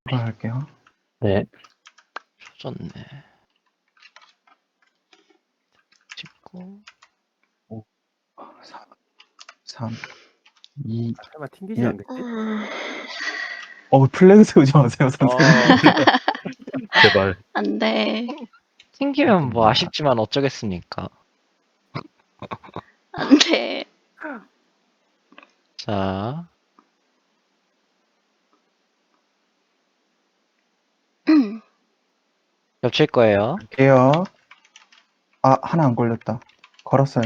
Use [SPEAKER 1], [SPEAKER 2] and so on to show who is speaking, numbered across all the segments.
[SPEAKER 1] 돌아갈게요.
[SPEAKER 2] 네.
[SPEAKER 3] 좋네. 19.
[SPEAKER 1] 5, 4, 3, 2,
[SPEAKER 4] 설마 튕기지
[SPEAKER 1] 예.
[SPEAKER 4] 않겠지?
[SPEAKER 1] 플래그 세우지 마세요, 선생님.
[SPEAKER 2] 제발.
[SPEAKER 5] 안 돼.
[SPEAKER 3] 튕기면 뭐 아쉽지만 어쩌겠습니까.
[SPEAKER 5] 안 돼.
[SPEAKER 3] 자, 겹칠 거예요.
[SPEAKER 1] 갈게요. 아, 하나 안 걸렸다. 걸었어요.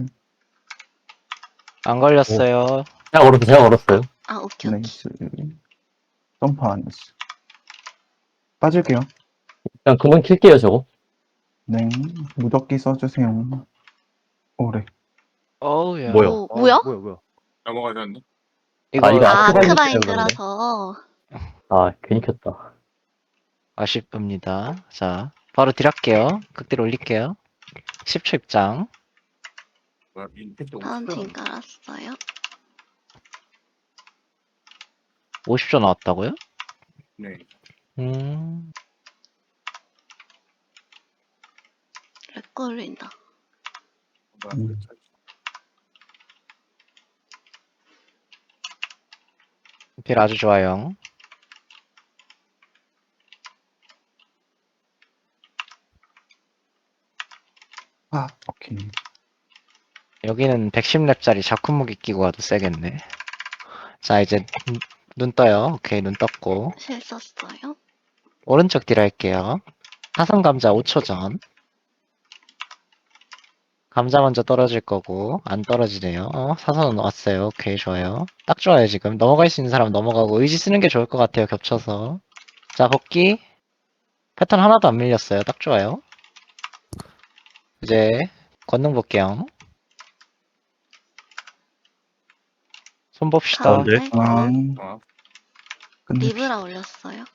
[SPEAKER 3] 안 걸렸어요.
[SPEAKER 2] 제가 걸었어요.
[SPEAKER 5] 아, 오케이, 오케이.
[SPEAKER 1] 나이스. 점프 안 했어. 빠질게요.
[SPEAKER 2] 그냥 그만 킬게요, 저거.
[SPEAKER 1] 네. 무적기 써주세요. 오래.
[SPEAKER 3] 어우야.
[SPEAKER 2] 뭐야?
[SPEAKER 5] 오, 뭐야?
[SPEAKER 4] 뭐야?
[SPEAKER 6] 넘어가셨네.
[SPEAKER 3] 이거
[SPEAKER 2] 이거
[SPEAKER 5] 아,
[SPEAKER 2] 아크바인
[SPEAKER 5] 아크바인드라서.
[SPEAKER 2] 아, 괜히 켰다.
[SPEAKER 3] 아쉽습니다. 자, 바로 딜할게요. 극딜 올릴게요. 10초 입장.
[SPEAKER 6] 뭐야, 인텍트
[SPEAKER 5] 파운틴 깔았어요.
[SPEAKER 3] 50초 나왔다고요?
[SPEAKER 6] 네.
[SPEAKER 5] 렉 걸린다.
[SPEAKER 6] 뭐야,
[SPEAKER 1] 음.
[SPEAKER 3] 딜 아주 좋아요.
[SPEAKER 1] 아, 오케이.
[SPEAKER 3] 여기는 110렙짜리 자쿠무기 끼고 가도 세겠네. 자, 이제 눈 떠요. 오케이, 눈 떴고.
[SPEAKER 5] 실 썼어요.
[SPEAKER 3] 오른쪽 딜 할게요. 사선 감자 5초 전. 감자 먼저 떨어질 거고, 안 떨어지네요. 사선은 왔어요. 오케이, 좋아요. 딱 좋아요, 지금. 넘어갈 수 있는 사람 넘어가고, 의지 쓰는 게 좋을 것 같아요, 겹쳐서. 자, 복귀. 패턴 하나도 안 밀렸어요. 딱 좋아요. 이제, 권능 볼게요. 손 봅시다.
[SPEAKER 2] 가운데.
[SPEAKER 5] 가운데.
[SPEAKER 6] 어,
[SPEAKER 1] 끝냅시다.
[SPEAKER 5] 리브라 올렸어요.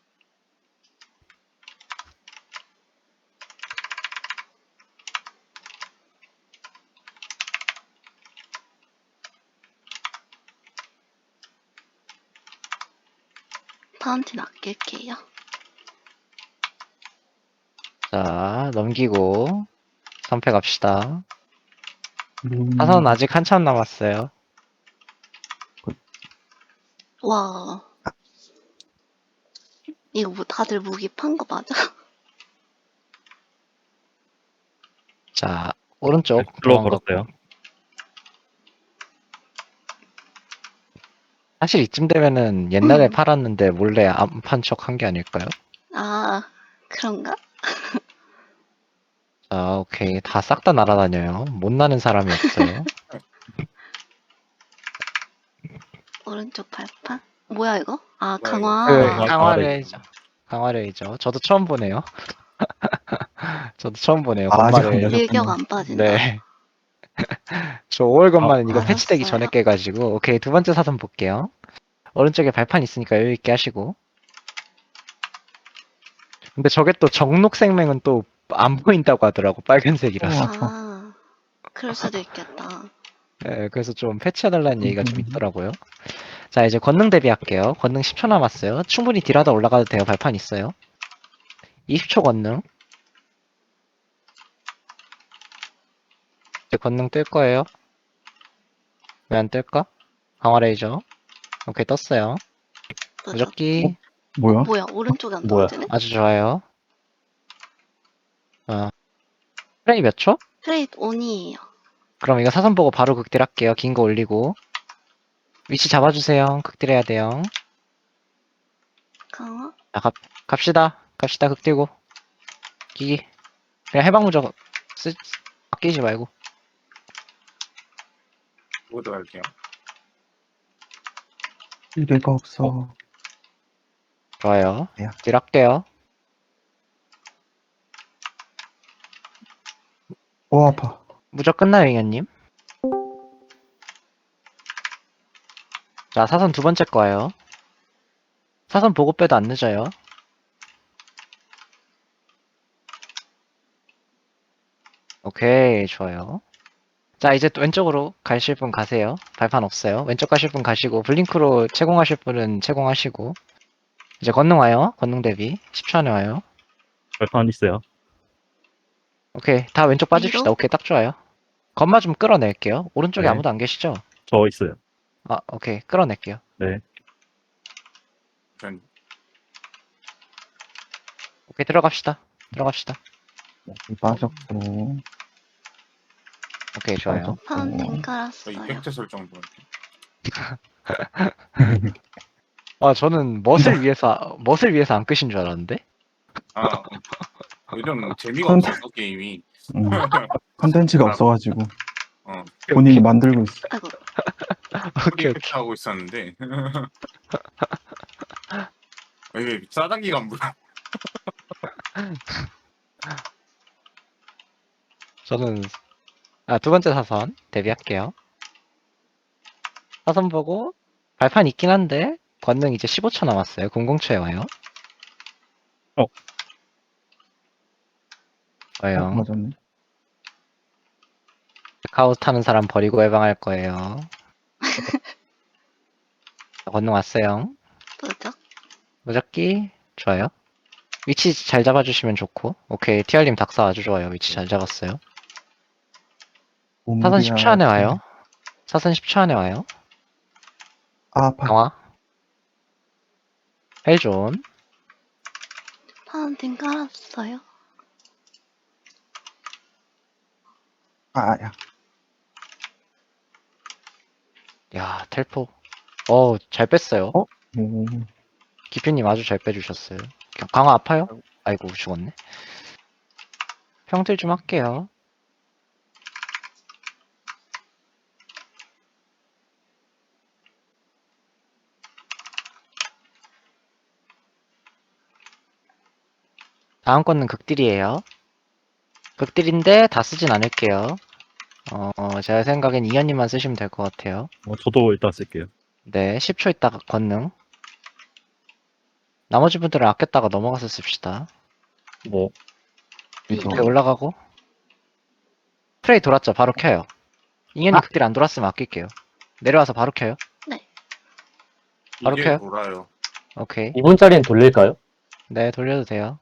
[SPEAKER 5] 파운틴 아낄게요.
[SPEAKER 3] 자, 넘기고, 선패 갑시다.
[SPEAKER 1] 음,
[SPEAKER 3] 사선 아직 한참 남았어요.
[SPEAKER 5] 와. 이거 뭐 다들 무기 판 거 맞아?
[SPEAKER 3] 자, 오른쪽.
[SPEAKER 2] 들어
[SPEAKER 3] 도망가고.
[SPEAKER 2] 걸었어요.
[SPEAKER 3] 사실 이쯤 되면은 옛날에 팔았는데 몰래 안 판 척 한 게 아닐까요?
[SPEAKER 5] 아, 그런가?
[SPEAKER 3] 자, 오케이. 다 싹 다 날아다녀요. 못 나는 사람이 없어요.
[SPEAKER 5] 오른쪽 발판? 뭐야, 이거? 아,
[SPEAKER 6] 뭐야,
[SPEAKER 5] 강화.
[SPEAKER 3] 그,
[SPEAKER 2] 아,
[SPEAKER 3] 강화레이저. 강화레이저. 저도 처음 보네요. 저도 처음 보네요.
[SPEAKER 1] 아, 아직 안
[SPEAKER 3] 건마를.
[SPEAKER 1] 되셨군요.
[SPEAKER 5] 일격 안 빠진다.
[SPEAKER 3] 네. 저 5월 건마는 이거
[SPEAKER 1] 알았어요.
[SPEAKER 3] 패치되기 전에 깨가지고. 오케이. 두 번째 사선 볼게요. 오른쪽에 발판 있으니까 여유있게 하시고. 근데 저게 또 정록 생명은 또 안 보인다고 하더라고. 빨간색이라서.
[SPEAKER 5] 아, 그럴 수도 있겠다.
[SPEAKER 3] 네, 그래서 좀 패치해달라는 얘기가 좀 있더라고요. 자, 이제 권능 대비할게요. 권능 10초 남았어요. 충분히 딜하다 올라가도 돼요. 발판 있어요. 20초 권능. 이제 권능 뜰 거예요. 왜 안 뜰까? 강화 레이저. 오케이, 떴어요. 무적기.
[SPEAKER 1] 뭐야?
[SPEAKER 5] 뭐야, 오른쪽에 안
[SPEAKER 2] 뭐야?
[SPEAKER 5] 떨어지네?
[SPEAKER 3] 아주 좋아요. 프레이 몇 초?
[SPEAKER 5] 트레이드 온이에요.
[SPEAKER 3] 그럼 이거 사선 보고 바로 극딜 할게요. 긴 거 올리고. 위치 잡아주세요. 극딜 해야 돼요.
[SPEAKER 5] 강화?
[SPEAKER 3] 자, 갑시다. 갑시다, 극딜고. 기기. 그냥 해방무적 아끼지 말고.
[SPEAKER 6] 모두 갈게요.
[SPEAKER 1] 이래가 없어.
[SPEAKER 3] 좋아요.
[SPEAKER 1] 야.
[SPEAKER 3] 딜 할게요.
[SPEAKER 1] 오, 아파.
[SPEAKER 3] 무적 끝나요, 잉여님? 자, 사선 두 번째 거예요. 사선 보고 빼도 안 늦어요. 오케이, 좋아요. 자, 이제 또 왼쪽으로 가실 분 가세요. 발판 없어요. 왼쪽 가실 분 가시고, 블링크로 채공하실 분은 채공하시고. 이제 권능 와요. 권능 대비. 10초 안에 와요.
[SPEAKER 2] 발판 있어요.
[SPEAKER 3] 오케이. 다 왼쪽 빠집시다.
[SPEAKER 5] 위로?
[SPEAKER 3] 오케이. 딱 좋아요. 건마 좀 끌어낼게요. 오른쪽에
[SPEAKER 2] 네.
[SPEAKER 3] 아무도 안 계시죠?
[SPEAKER 2] 저 있어요.
[SPEAKER 3] 아, 오케이. 끌어낼게요.
[SPEAKER 2] 네.
[SPEAKER 6] 전
[SPEAKER 3] 오케이. 들어갑시다. 들어갑시다.
[SPEAKER 1] 빠졌고.
[SPEAKER 3] 오케이. 좋아요.
[SPEAKER 1] 빠졌고.
[SPEAKER 5] 파운틴
[SPEAKER 6] 저
[SPEAKER 5] 깔았어요.
[SPEAKER 6] 이펙트 설정 좀.
[SPEAKER 3] 아, 저는 멋을 위해서 안 끄신 줄 알았는데?
[SPEAKER 6] 아, 요즘 재미가
[SPEAKER 1] 컨-
[SPEAKER 6] 없어서 게임이.
[SPEAKER 1] 컨텐츠가
[SPEAKER 6] 아,
[SPEAKER 1] 없어가지고
[SPEAKER 6] 어,
[SPEAKER 1] 본인이 만들고 있어.
[SPEAKER 5] 아이고,
[SPEAKER 3] 오케이,
[SPEAKER 6] 이펙트 하고 있었는데. 이게 싸단기가 안 불어.
[SPEAKER 3] 저는, 두 번째 사선 데뷔할게요. 사선 보고, 발판 있긴 한데, 권능 이제 15초 남았어요. 00초에 와요.
[SPEAKER 2] 어.
[SPEAKER 3] 와요.
[SPEAKER 1] 맞았네.
[SPEAKER 3] 카우스 타는 사람 버리고 해방할 거예요. 권능 왔어요.
[SPEAKER 5] 뭐죠?
[SPEAKER 3] 무적기, 좋아요. 위치 잘 잡아주시면 좋고, 오케이. TR님 닥사 아주 좋아요. 위치 잘 잡았어요. 사선 10초 안에 와요. 사선 10초 안에 와요.
[SPEAKER 1] 아파.
[SPEAKER 3] 강화. 헬존.
[SPEAKER 5] 파운틴 깔았어요.
[SPEAKER 1] 아야.
[SPEAKER 3] 야, 텔포. 잘 뺐어요.
[SPEAKER 1] 어? 오.
[SPEAKER 3] 기표님 아주 잘 빼주셨어요. 강화 아파요? 아이고, 죽었네. 평틀 좀 할게요. 다음 거는 극딜이에요. 극딜인데 다 쓰진 않을게요. 제가 생각엔 이현님만 쓰시면 될 것 같아요.
[SPEAKER 2] 저도 일단 쓸게요.
[SPEAKER 3] 네, 10초 있다가 권능. 나머지 분들은 아꼈다가 넘어가서 씁시다.
[SPEAKER 2] 네.
[SPEAKER 1] 이거
[SPEAKER 3] 극딜 올라가고. 프레이 돌았죠? 바로 켜요. 이현님 극딜 안 돌았으면 아낄게요. 내려와서 바로 켜요. 바로
[SPEAKER 6] 이게
[SPEAKER 3] 켜요.
[SPEAKER 6] 돌아요.
[SPEAKER 3] 오케이.
[SPEAKER 2] 2분짜리는 돌릴까요?
[SPEAKER 3] 네, 돌려도 돼요.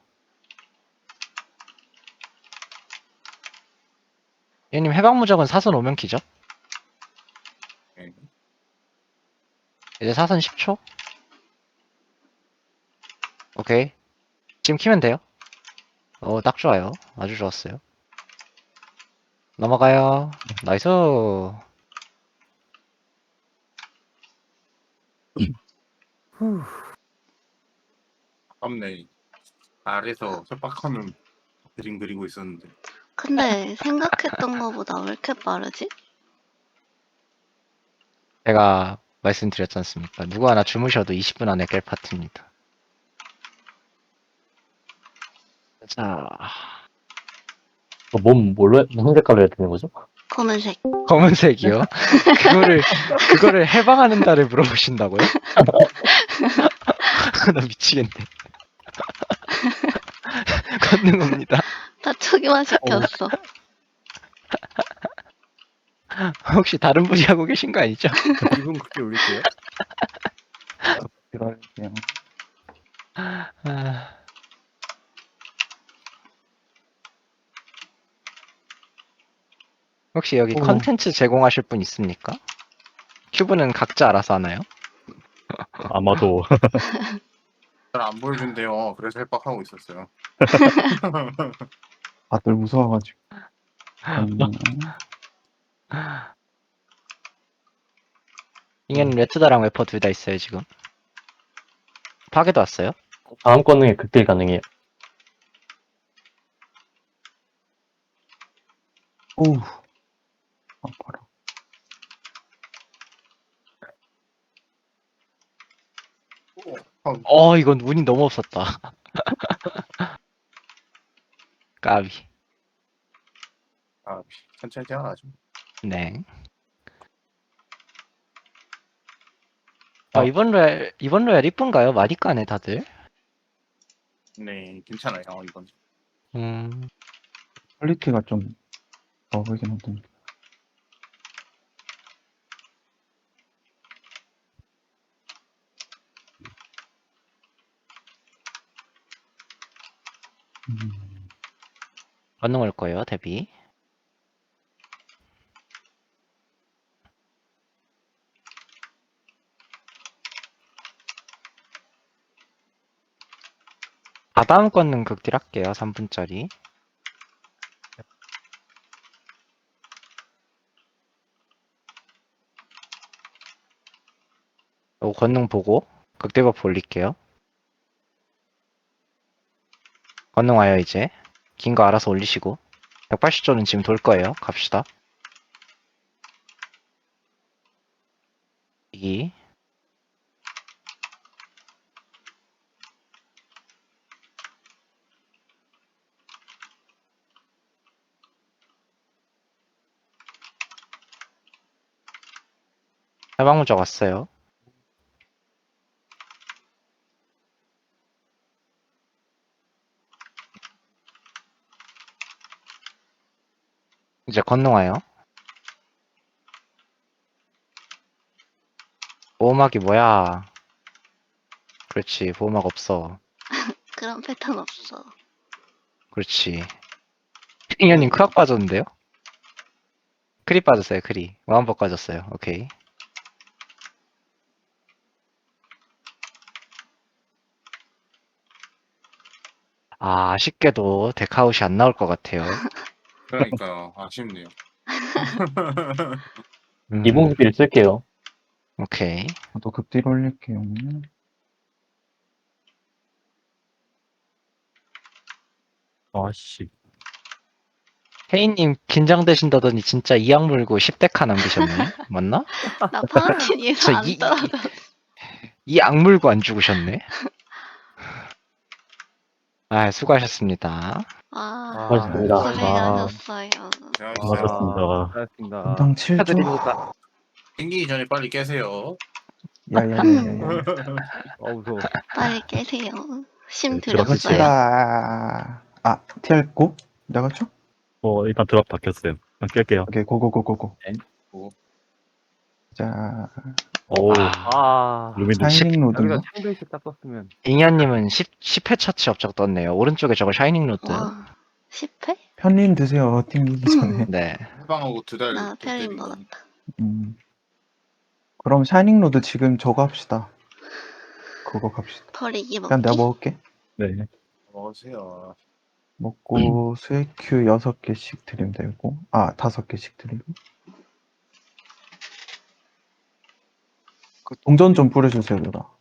[SPEAKER 3] 이현님 해방무적은 사선 오면 키죠?
[SPEAKER 6] 네.
[SPEAKER 3] 이제 사선 10초? 오케이. 지금 키면 돼요. 딱 좋아요. 아주 좋았어요. 넘어가요. 나이스.
[SPEAKER 6] 아깝네. 아래서 협박하는 그림 그리고 있었는데.
[SPEAKER 5] 근데 생각했던 거보다 왜 이렇게 빠르지?
[SPEAKER 3] 제가 말씀드렸지 않습니까? 누구 하나 주무셔도 20분 안에 깰 파트입니다. 자,
[SPEAKER 2] 무슨 색깔로 해야 되는 거죠?
[SPEAKER 5] 검은색.
[SPEAKER 3] 검은색이요? 그거를 해방하는 달을 물어보신다고요? 나 미치겠네. 건능합니다.
[SPEAKER 5] 다 초기화 시켰어.
[SPEAKER 3] 혹시 다른 분이 하고 계신 거 아니죠?
[SPEAKER 4] 2분 그렇게 올릴게요.
[SPEAKER 1] 들어갈게요.
[SPEAKER 3] 아, 혹시 여기
[SPEAKER 1] 오.
[SPEAKER 3] 컨텐츠 제공하실 분 있습니까? 큐브는 각자 알아서 하나요?
[SPEAKER 2] 아마도.
[SPEAKER 6] 잘 안 보여준대요. 그래서 협박하고 있었어요.
[SPEAKER 1] 다들 무서워가지고.
[SPEAKER 3] 이게는 레트다랑 웨퍼 둘 다 있어요 지금. 파괴도 왔어요?
[SPEAKER 2] 다음 권능에 극딜 가능해요.
[SPEAKER 1] 오우. 아파라.
[SPEAKER 3] 이건 운이 너무 없었다. 까비.
[SPEAKER 6] 아, 천천히 태어나죠.
[SPEAKER 3] 네.
[SPEAKER 2] 아.
[SPEAKER 3] 이번 로얄 이쁜가요? 많이 까네 다들.
[SPEAKER 6] 네, 괜찮아요, 이건.
[SPEAKER 1] 퀄리티가 좀 적으긴 하던데.
[SPEAKER 3] 건능 올 거예요, 대비. 다다음 건능 극딜 할게요, 3분짜리. 요 건능 보고 극딜 버프 올릴게요. 건능 와요, 이제. 긴 거 알아서 올리시고. 180조는 지금 돌 거예요. 갑시다. 2. 해방무적 왔어요. 이제 건능 와요. 보호막이 뭐야? 그렇지, 보호막 없어.
[SPEAKER 5] 그런 패턴 없어.
[SPEAKER 3] 그렇지. 핑현님 크락 빠졌는데요? 크리 빠졌어요, 크리. 와운법 빠졌어요. 오케이. 아, 아쉽게도 데카웃이 안 나올 것 같아요.
[SPEAKER 6] 그러니까요. 아쉽네요.
[SPEAKER 2] 이봉기를 쓸게요.
[SPEAKER 3] 오케이.
[SPEAKER 1] 저도 극딜 올릴게요.
[SPEAKER 2] 아씨.
[SPEAKER 3] 혜인님 긴장되신다더니 진짜 이악 물고 10대카 남기셨네? 맞나?
[SPEAKER 5] 나 파운틴 위에서
[SPEAKER 3] 저
[SPEAKER 5] 안
[SPEAKER 3] 이-
[SPEAKER 5] 떨어져.
[SPEAKER 3] 이악 물고 안 죽으셨네? 아, 수고하셨습니다.
[SPEAKER 2] 고맙습니다.
[SPEAKER 5] 고생하셨어요.
[SPEAKER 6] 고생하셨어요.
[SPEAKER 2] 고맙습니다.
[SPEAKER 1] 분당 7조.
[SPEAKER 3] 축하드립니다.
[SPEAKER 6] 땡기기 전에 빨리 깨세요.
[SPEAKER 1] 야야야야야.
[SPEAKER 2] 무서워.
[SPEAKER 5] 빨리 깨세요. 심
[SPEAKER 2] 네,
[SPEAKER 5] 들였어요.
[SPEAKER 1] 갑시다. 아, TR 고? 나갔죠?
[SPEAKER 2] 일단 드랍 바뀌었어요. 깰게요.
[SPEAKER 1] 오케이, 고고고고고.
[SPEAKER 2] 네.
[SPEAKER 6] 고.
[SPEAKER 1] 자,
[SPEAKER 2] 오. 루미드
[SPEAKER 1] 샤이닝 로드인가?
[SPEAKER 2] 창조식 딱 썼으면.
[SPEAKER 3] 잉여님은 10회 처치 업적 떴네요. 오른쪽에 저거 샤이닝 로드.
[SPEAKER 5] 와, 10회?
[SPEAKER 1] 편림 드세요. 튕기기 전에.
[SPEAKER 3] 네.
[SPEAKER 6] 해방하고 2달
[SPEAKER 5] 나 편림
[SPEAKER 6] 때리기.
[SPEAKER 5] 먹었다.
[SPEAKER 1] 그럼 샤이닝 로드 지금 저거 합시다. 그거 갑시다.
[SPEAKER 5] 버리기
[SPEAKER 1] 그냥 내가
[SPEAKER 5] 먹기?
[SPEAKER 1] 먹을게.
[SPEAKER 2] 네.
[SPEAKER 6] 먹으세요.
[SPEAKER 1] 먹고 스웨큐 6개씩 드리면 되고, 아, 5개씩 드리고. 그 동전 좀 뿌려주세요, 누나.